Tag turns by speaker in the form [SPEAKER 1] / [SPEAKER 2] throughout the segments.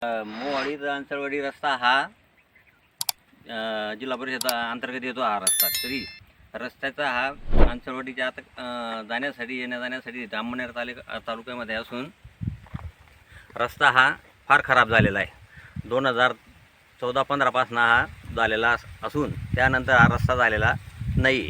[SPEAKER 1] मोवाडी अंचळवाडी रस्ता हा जिल्हा परिषद अंतर्गत येतो हा रस्ता. तरी रस्त्याचा हा अंचळवाडीच्या आत जाण्यासाठी येण्यासाठी अंमळनेर तालुक्यामध्ये असून रस्ता हा फार खराब झालेला आहे. 2014-15 पासून हा झालेला असून त्यानंतर हा रस्ता झालेला नाही.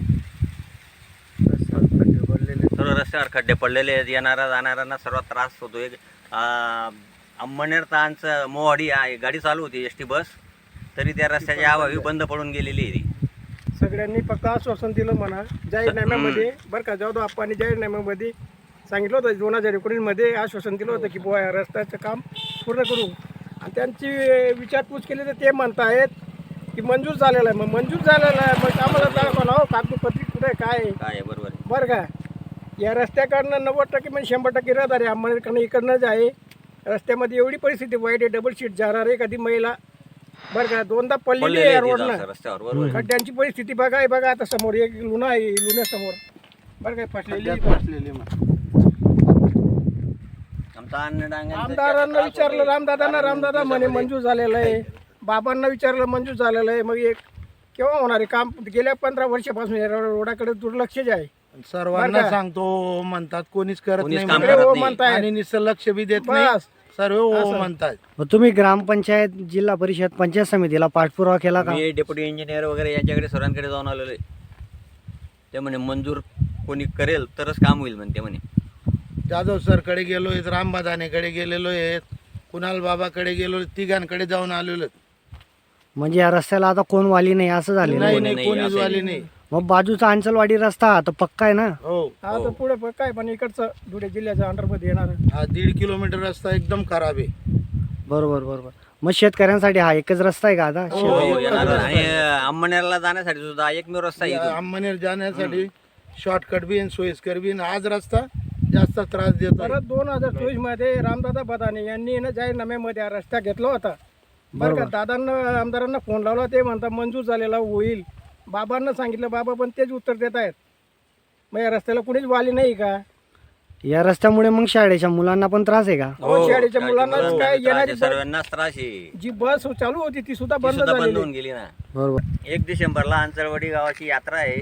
[SPEAKER 1] सर्व रस्त्यावर खड्डे पडलेले आहेत. येणाऱ्या जाणाऱ्यांना सर्वात त्रास होतो. एक अंमळनेर तांचं मोवाडी गाडी चालू होती ST बस, तरी त्या रस्त्याच्या अभावी बंद पडून गेलेली आहे.
[SPEAKER 2] सगळ्यांनी फक्त आश्वासन दिलं म्हणा जाहीरनाम्यामध्ये, बरं का. जाधव आप्पांनी जाहीरनाम्यामध्ये सांगितलं होतं 2019 मध्ये आश्वासन दिलं होतं की बुवा या रस्त्याचं काम पूर्ण करू. आणि त्यांची विचारपूस केली तर ते म्हणतायत की मंजूर झालेलं आहे. मग मंजूर झालेलं आहे, मग आम्हाला दाखवा ना कागदपत्री कुठे काय
[SPEAKER 1] काय बरोबर आहे.
[SPEAKER 2] बरं का. या रस्त्याकडनं 90% म्हणजे 100% रहदारी अंमळनेरकडनं इकडनंच आहे. रस्त्यामध्ये एवढी परिस्थिती वाईट आहे, डबल सीट जाणार आहे एखादी महिला, बरं का. दोनदा पडलेली आहे रोडला.
[SPEAKER 1] रस्त्यावर
[SPEAKER 2] खड्ड्यांची परिस्थिती बघा आहे. बघा आता समोर एक लुना आहे, लुण्यासमोर बरं काय फसलेली. आमदारांना विचारलं रामदादा म्हणे मंजूर झालेलं आहे. बाबांना विचारलं मंजूर झालेलं आहे. मग एक केव्हा होणार आहे काम? गेल्या 15 वर्षापासून या रोडाकडे दुर्लक्ष जे आहे.
[SPEAKER 3] सर्वांना सांगतो म्हणतात, कोणीच करत नाही
[SPEAKER 2] म्हणताय
[SPEAKER 3] आणि निसर्ग लक्ष बी देत नाही.
[SPEAKER 2] बस
[SPEAKER 3] सर्व हो म्हणतात.
[SPEAKER 4] मग तुम्ही ग्रामपंचायत, जिल्हा परिषद, पंचायत समितीला पाठपुरावा केला का?
[SPEAKER 1] मी डेप्युटी इंजिनियर वगैरे यांच्याकडे सर्वांकडे जाऊन आलेलो आहे. ते म्हणे मंजूर कोणी करेल तरच काम होईल म्हणते म्हणे.
[SPEAKER 3] जाधव सरकडे गेलो आहेत, रामबादानेकडे गेलेलो आहेत, कुणाल बाबाकडे गेलो, तिघांकडे जाऊन आलेलो.
[SPEAKER 4] म्हणजे या रस्त्याला आता कोण वाली नाही असं झालेलं आहे.
[SPEAKER 3] नाही कोणीच वाली नाही.
[SPEAKER 4] मग बाजूचा अंचलवाडी रस्ता तर पक्का आहे ना?
[SPEAKER 3] हो.
[SPEAKER 2] हा तर पुढे काय पण इकडचं धुळे जिल्ह्याच्या अंडरमध्ये येणार.
[SPEAKER 3] हा 1.5 किलोमीटर रस्ता एकदम खराब आहे.
[SPEAKER 4] बरोबर. मग शेतकऱ्यांसाठी हा एकच रस्ता आहे का आता?
[SPEAKER 1] आणि अंमळनेरला जाण्यासाठी सुद्धा एकमेव रस्ता आहे इथून.
[SPEAKER 3] अंमळनेर जाण्यासाठी शॉर्टकट बी आणि सोयीस्कर बी. आज रस्ता जास्त त्रास देतो.
[SPEAKER 2] परत 2024 मध्ये रामदादा बदाने यांनी ना जाहीरनाम्यामध्ये हा रस्ता घेतला होता, बरं का. दादांना आमदारांना फोन लावला, ते म्हणतात मंजूर झालेला होईल. बाबांना सांगितलं, बाबा पण तेच उत्तर देत आहेत. मग या रस्त्याला कुणीच वाली नाही का?
[SPEAKER 4] या रस्त्यामुळे मग शाळेच्या मुलांना पण त्रास आहे का?
[SPEAKER 2] शाळेच्या मुलांना काय येणारी
[SPEAKER 1] सर्वांनाच त्रास आहे.
[SPEAKER 2] जी बस चालू होती ती सुद्धा बंद
[SPEAKER 1] बंद
[SPEAKER 2] झाली.
[SPEAKER 1] होऊन गेली ना.
[SPEAKER 4] बरोबर.
[SPEAKER 1] 1 डिसेंबरला अंचळवाडी गावाची यात्रा आहे.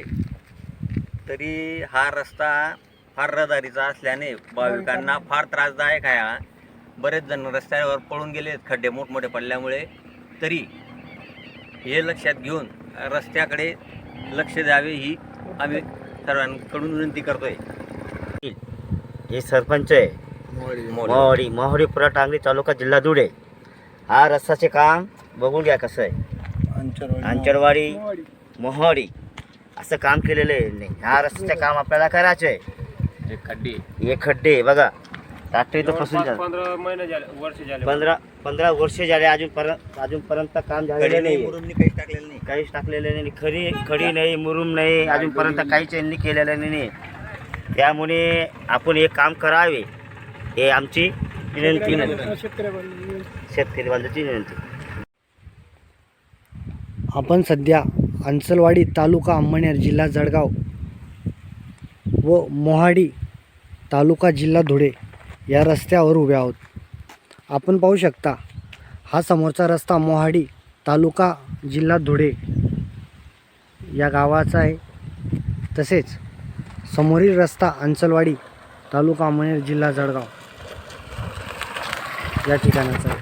[SPEAKER 1] तरी हा रस्ता फार रहदारीचा असल्याने भाविकांना फार त्रासदायक आहे. हा बरेच जण रस्त्यावर पळून गेले खड्डे मोठमोठे पडल्यामुळे. तरी हे लक्षात घेऊन रस्त्याकडे लक्ष द्यावे ही आम्ही सर्वांकडून विनंती करतोय.
[SPEAKER 5] हे सरपंच आहे मोहाडी पुरा टांगली तालुका जिल्हा धुळे. हा रस्त्याचे काम बघून घ्या कसं आहे. अंचळवाडी मोहाडी असं काम केलेलं आहे. ह्या रस्त्याचे काम आपल्याला करायचं आहे. हे खड्डे बघा, ट्रॅक्टर इथं फसून झालं. 15 वर्ष झाले अजूनपर्यंत काम झालेलं नाही. काहीच टाकलेलं नाही. खडी नाही, मुरुम नाही, अजूनपर्यंत काहीच यांनी केलेलं नाही. त्यामुळे आपण हे काम करावे हे आमची विनंती नाही. शेतकरी बांधवांची विनंती.
[SPEAKER 4] आपण सध्या अंचलवाडी तालुका अंमळनेर जिल्हा जळगाव व मोहाडी तालुका जिल्हा धुळे या रस्त्यावर उभे आहोत. आपण पाहू शकता, हा समोरचा रस्ता मोहाडी तालुका जिल्हा धुळे या गावाचा आहे. तसेच समोरील रस्ता अंचलवाडी तालुका अंमळनेर जिल्हा जळगाव या ठिकाणाचा आहे.